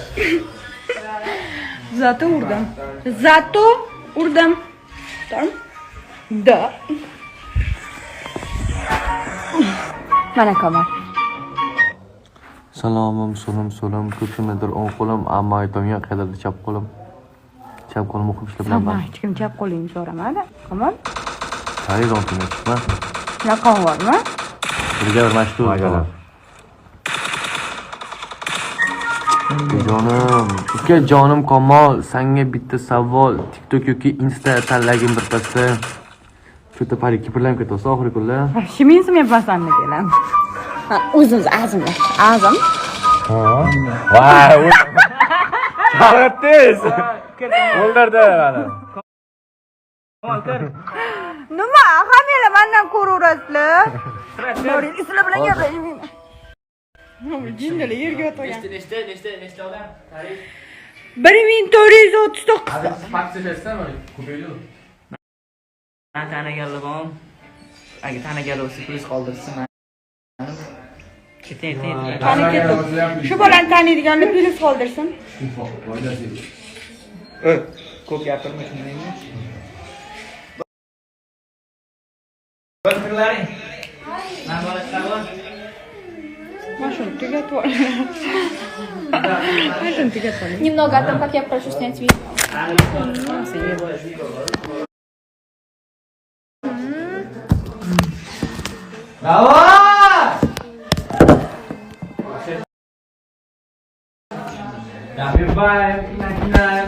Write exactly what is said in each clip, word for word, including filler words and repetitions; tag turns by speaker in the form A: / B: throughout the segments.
A: Zato urdim. Zato urdim. Tamam. Da. Mana Kamal.
B: Salomim, so'lim, so'lim, ko'ksimdadir o'ng qo'lim, ammo aytomga qayerda chap qo'lim. Chap qo'lim o'qib ishlab bilaman.
A: Hech kim chap qo'lingni so'ramadi. Kamal.
B: Xarid oltin chiqma.
A: Raqam bormi?
B: Birga bir mashhur bo'lar. Jonim, uka jonim Kamol, senga bitta savol. TikTok yoki Insta tanlagim birpasda. Cho'ta pari kiprlanib ketdi, oxirgi kunlar.
A: Shimin men pasamni kelam. O'zimiz azimlar. Azim.
B: Ha. Voy, Chaqirtdingiz. O'ldirdi meni.
A: Nima? Hammalar mendan ko'raverasizlar. Boring, sizlar bilan gaplashmayman. Jindalar yerga o'tirgan.
C: Nechta, nechta, nechta, nechta odam? Tarif.
A: bir ming to'rt yuz o'ttiz to'qqiz ta.
C: Fakslasizmi? Ko'paydi. Men taniganligim. Agar tanigan bo'lsa, plyus qoldirsin. Keting, keting.
A: Qani ketdi. Shu bolani taniydiganlar plyus qoldirsin.
C: Ey, ko'p gapirma shundaymi? Birlaring. Men bolasiman.
A: Машину тугатва. Машину тугатва.
D: Немного о том, как я прошу снять видео.
C: Давай! Давай, начинаем.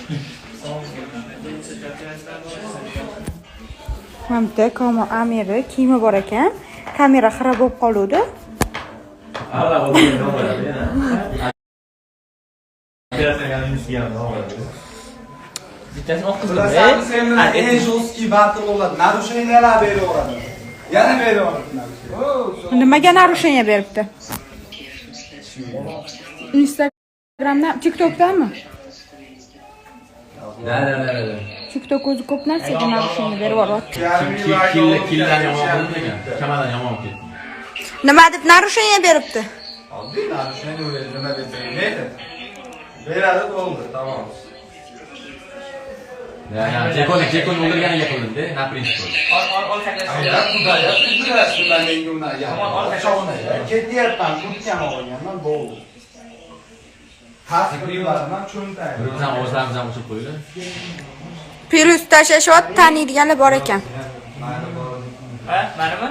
A: Hamda Kamal Amiri kiyimi bor ekan. Kamera xira bo'lib qoluvdi.
E: Alla voglio non va bene. Grazie a Lucia, no.
C: Bittasini o'qib
F: Bilasan, sen bilan eng jostki battle bo'ladi. Narushenyalar beraveradi. Yana beraveradi.
A: Nimaga narusheniya beribdi? Instagramdan, TikTokdanmi?
E: Da da da da.
A: TikTok o'zi ko'p narsaga narusheniya berib yuboryapti.
E: Killa killar yomon bo'lgan. Kamadan yomon ketdi.
A: Nima deb narusheniya beribdi?
F: Oddiy narusheniya o'yladi, nima desang, neydi? Beradi, bo'ldi, tamom.
E: Ya ya, Jekon, Jekon o'ldirganiga qilindi, na prinsip.
C: Ol, ol, ol saklashni.
F: Ya, Xudoya, qildirasiz ular menga uni. Ketyapman, kurtkam olganman, bo'ldi. Xavf qilyapman, cho'ntay.
E: Biz ham o'zlarimiz ham o'chib qo'ydi.
A: Plyus tashlashyapti, taniydiganlar bor ekan.
C: Ha, manimi?